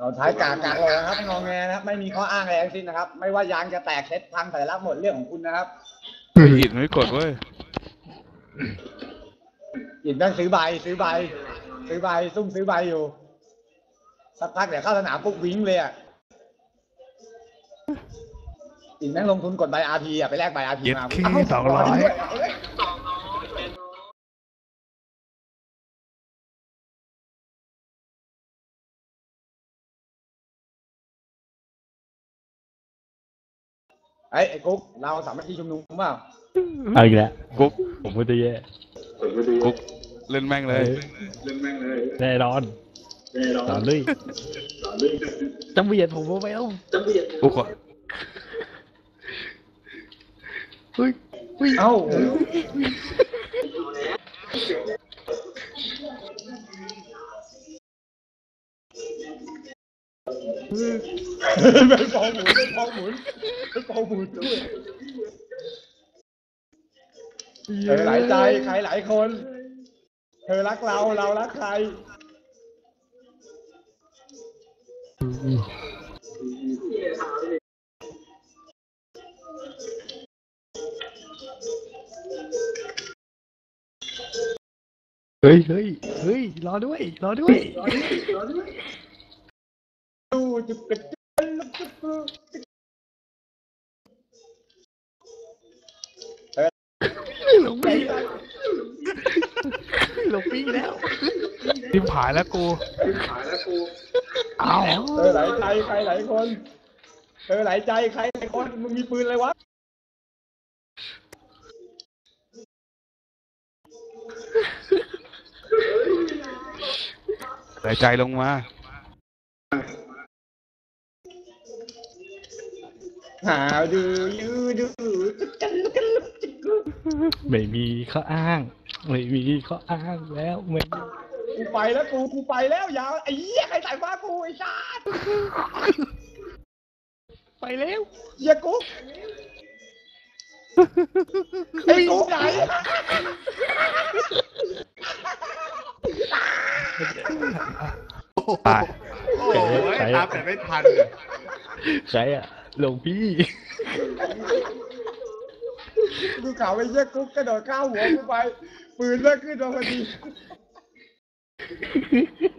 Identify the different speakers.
Speaker 1: เราท้ายกากเลยนะครับงอแงนะครับไม่มีข้ออ้างอะไรทั้งสิ้นนะครับไม่ว่ายางจะแตกเซ็ตพังแต่ละหมดเรื่องของคุณนะครับ
Speaker 2: อิดไม่กดเว้ย
Speaker 1: อิดนั่นซื้อใบซุ่มซื้อใบอยู่สักพักเดี๋ยวเข้าสนามปุ๊บวิ่งเลยอ่ะอิดแม่งลงทุนกดใบอาร์พีอ่ะไปแลกใบอาร์พีมา
Speaker 2: เย็ดขี้200
Speaker 1: ไอ้กุ๊กเราสามัคคีชุมนุมเปล่า
Speaker 3: เอาอีกแล้ว
Speaker 2: กุ๊ก
Speaker 3: ผมไม่ได้แย่
Speaker 2: กุ๊กเล่นแม่งเลย
Speaker 3: แน่นอนต่อเลยจำเบียดผมไปแล้ว
Speaker 2: กุ๊ก
Speaker 3: เฮ้ย
Speaker 1: เอ้าไปฟองหมุนด้วยเธอหลายใจใครหลายคนเธอรักเรารักใคร
Speaker 3: เฮ้ยรอด้วย
Speaker 1: ดูจุกกระจุก
Speaker 3: หลงปีแล้ว
Speaker 2: ทิมผายแล้วกู
Speaker 3: เอา
Speaker 1: เธอหลายใจใครหลายคนเธอหลายใจใครหลายคนมึงมีปืนอะไรวะ
Speaker 2: หายใจลงมา
Speaker 1: หาดู
Speaker 3: ไม่มีข้ออ้างแล้วไม่
Speaker 1: กูไปแล้วกูไปแล้วยาวไอ้เหี้ยใครใส่ฟ้ากูไอ้ชาติ
Speaker 3: ไปแล้ว
Speaker 1: เหี้ยกุ๊กไอ้กุ๊กไหน
Speaker 2: ตาย
Speaker 4: โอ้ยตามแต่ไม่ทัน
Speaker 3: ใครอ่ะหลวงพี่
Speaker 1: กูข่าวไอ้เหี้ยกุ๊กกระโดดข้าวหัวกูไปปืนเลิกขึ้นมาพอดี